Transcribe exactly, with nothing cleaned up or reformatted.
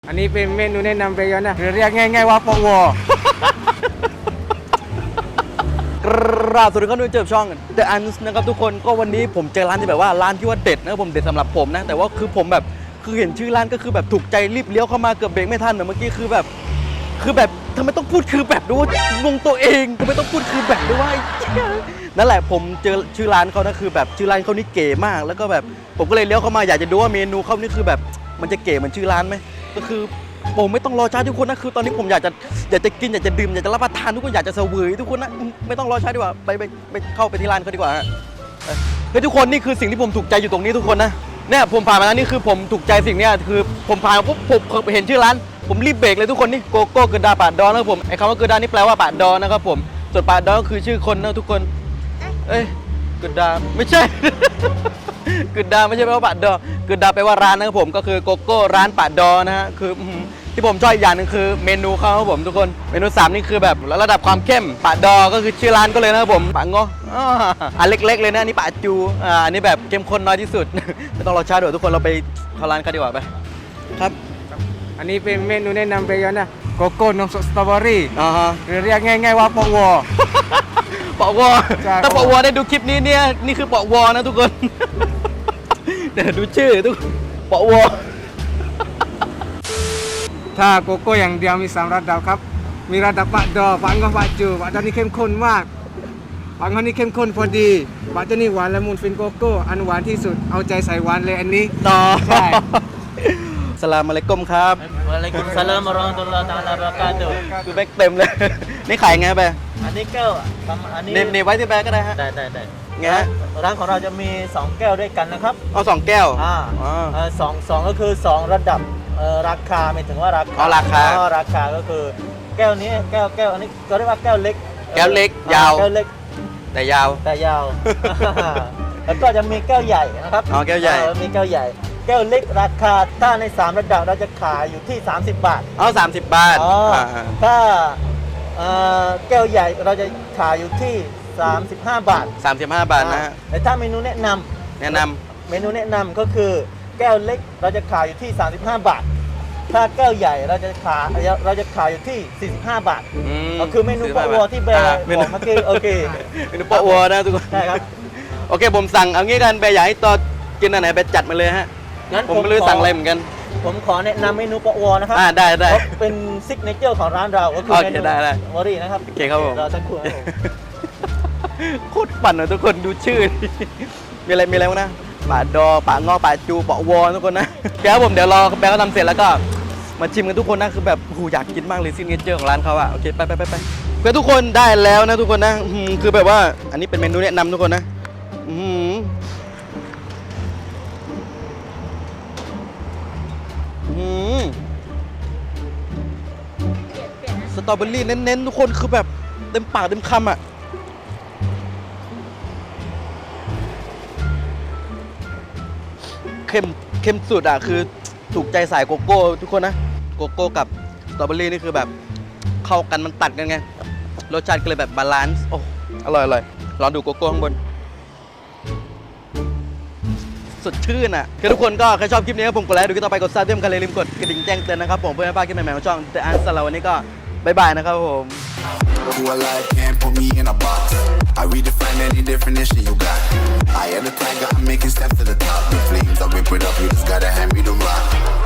อันนี้เป็นเมนูแนะนำไปย้อนนะหรือเรียกง่ายๆว่าปวกราบสวัสดีครับทุกคนเจอช่อง The Ans นะครับทุกคนก็วันนี้ผมเจอร้านที่แบบว่าร้านที่ว่าเด็ดนะครับผมเด็ดสำหรับผมนะแต่ว่าคือผมแบบคือเห็นชื่อร้านก็คือแบบถูกใจรีบเลี้ยวเข้ามาเกือบเบรกไม่ทันเมื่อกี้คือแบบคือแบบทำไมต้องพูดคือแบบด้วยงงตัวเองทำไมต้องพูดคือแบบด้วยนั่นแหละผมเจอชื่อร้านเขานะคือแบบชื่อร้านเขานี่เก๋มากแล้วก็แบบผมก็เลยเลี้ยวเข้ามาอยากจะดูว่าเมนูเขานี่คือแบบมันจะเก๋เหมือนชื่อร้านไหมก็คือผมไม่ต้องรอช้าทุกคนนะคือตอนนี้ผมอยากจะอยากจะกินอยากจะดื่มอยากจะรับประทานทุกคนอยากจะเสวยทุกคนนะไม่ต้องรอช้าดีกว่าไปไปไปเข้าไปที่ร้านเขาดีกว่าฮะเฮ้ยทุกคนนี่คือสิ่งที่ผมถูกใจอยู่ตรงนี้ทุกคนนะเนี่ยผมผ่านมาแล้วนี่คือผมถูกใจสิ่งนี้คือผมผ่านปุ๊บผมเห็นชื่อร้านผมรีบเบรกเลยทุกคนนี่โกโก้เกิดดาปาดดอนนะครับผมไอ้คำว่าเกิดดานี่แปลว่าปาดดอนนะครับผมส่วนปาดดอนก็คือชื่อคนนะทุกคนเอ้ยเกิดดาไม่ใช่เกิดดาไม่ใช่แปลว่าปาดดอเกิดดาแปลว่าร้านนะครับผมก็คือโกโก้ร้านปาดดอนะฮะคือที่ผมชอบอีกอย่างหนึ่งคือเมนูเขาครับผมทุกคนเมนูสามนี่คือแบบระดับความเข้มปาดอก็คือชื่อร้านก็เลยนะครับผมปาโงอ่าเล็กๆเลยนะนี่ปาจูอ่าอันนี้แบบเข้มข้นน้อยที่สุดไม่ต้องรอช้าเดี๋ยวทุกคนเราไปเข้าร้านกันดีกว่าไปครับอันนี้เป็นเมนูแนะนำไปย้อนนะโกโก้นมสดสตรอเบอรี่อ่าฮะหรือเรียกง่ายๆว่าปวปวถ้าปวได้ดูคลิปนี้เนี่ยนี่คือปวนะทุกคนเดี๋ยวดูชื่อทุกปวถ้าโกโก้อย่างเดียวมีสามระดับครับมีระดับปะดอปะงอปะจูปะดอนี่เข้มข้นมากปะงอนี่เข้มข้นพอดีปะจูนี่หวานละมุนฟินโกโก้อันหวานที่สุดเอาใจใส่หวานเลยอันนี้ต่อใช่สลามอะลัยกุมครับวะอะลัยกุมสลามวะเราะห์มะตุลลอฮ์ตะอาลาบะเราะกาตุฮ์คือแบกเต็มเลยนี่ขายไงไปอันนี้แก้วอันนี้เนบไว้ที่แบกก็ได้ฮะได้ได้ได้ไงร้านของเราจะมีสองแก้วด้วยกันนะครับเอาสองแก้วอ่าสองสองก็คือสองระดับราคาหมายถึงว่าราคาอ๋อราคาอ๋อราคาก็คือแก้วนี้แก้วแก้วอันนี้ก็เรียกว่าแก้วเล็กแก้วเล็กยาวแก้วเล็กแต่ยาวแต่ยาวแล้วก็จะมีแก้วใหญ่นะครับอ๋อแก้วใหญ่มีแก้วใหญ่แก้วเล็กราคาถ้าในสามระดับเราจะขายอยู่ที่สามสิบบาทอ๋อสามสิบบาทถ้าแก้วใหญ่เราจะขายอยู่ที่สามสิบห้าบาทสามสิบห้าบาทนะฮะแต่ถ้าเมนูแนะนำแนะนำเมนูแนะนำก็คือแก้วเล็กเราจะขายอยู่ที่สามสิบห้าบาทถ้าแก้วใหญ่เราจะขายเราจะขายอยู่ที่สี่สิบห้าบาทก็คือเมนูปะวัวที่แบร์บอกเมื่อกี้โอเคเมนูปะวัวนะทุกคนใช่ครับโอเคผมสั่งเอางี้กันแบร์อยากให้ต่อกินอันไหนแบร์จัดมาเลยฮะงั้นผมไม่รู้สั่งอะไรเหมือนกันผมขอแนะนำเมนูปะวัวนะครับอ่าได้ได้เป็นซิกเนเจอร์ของร้านเราก็คือเมนูวอรี่นะครับโอเคครับผมเราสักครู่โคตรปั่นเลยทุกคนดูชื่อมีอะไรมีอะไรบ้างนะปะดอปะงอปะจูปะวอทุกคนนะเดี๋ยวผมเดี๋ยวรอแบร์เขาทำเสร็จแล้วก็มาชิมกันทุกคนนะคือแบบโหอยากกินมากเลยซิกเนเจอร์ของร้านเขาอะโอเคไปไปไปไปเพื่อทุกคนได้แล้วนะทุกคนนะคือแบบว่าอันนี้เป็นเมนูแนะนำทุกคนนะสตรอเบอรี่เน้นๆทุกคนคือแบบเต็มปากเต็มคำอะเข้มเข้มสุดอะคือถูกใจสายโกโก้ทุกคนนะโกโก้กับสตรอเบอรี่นี่คือแบบเข้ากันมันตัดกันไงรสชาติก็เลยแบบบาลานซ์โอ้อร่อยอร่อยลองดูโกโก้ข้างบนสดชื่นอ่ะคือทุกคนก็ใครชอบคลิปนี้ก็ผมกดไลค์ดูคลิปต่อไปกดซับด้วยกันเลยลืมกดกระดิ่งแจ้งเตือนนะครับผมเพื่อไม่พลาดคลิปใหม่ๆของช่อง The Ans สำหรับวันนี้ก็บ๊ายบายนะครับผม Who alive can't put me in a box. I redefine any definition you got. I am the tiger, I'm making steps to the top. The flames, I whip it up, you just gotta hand me the rock.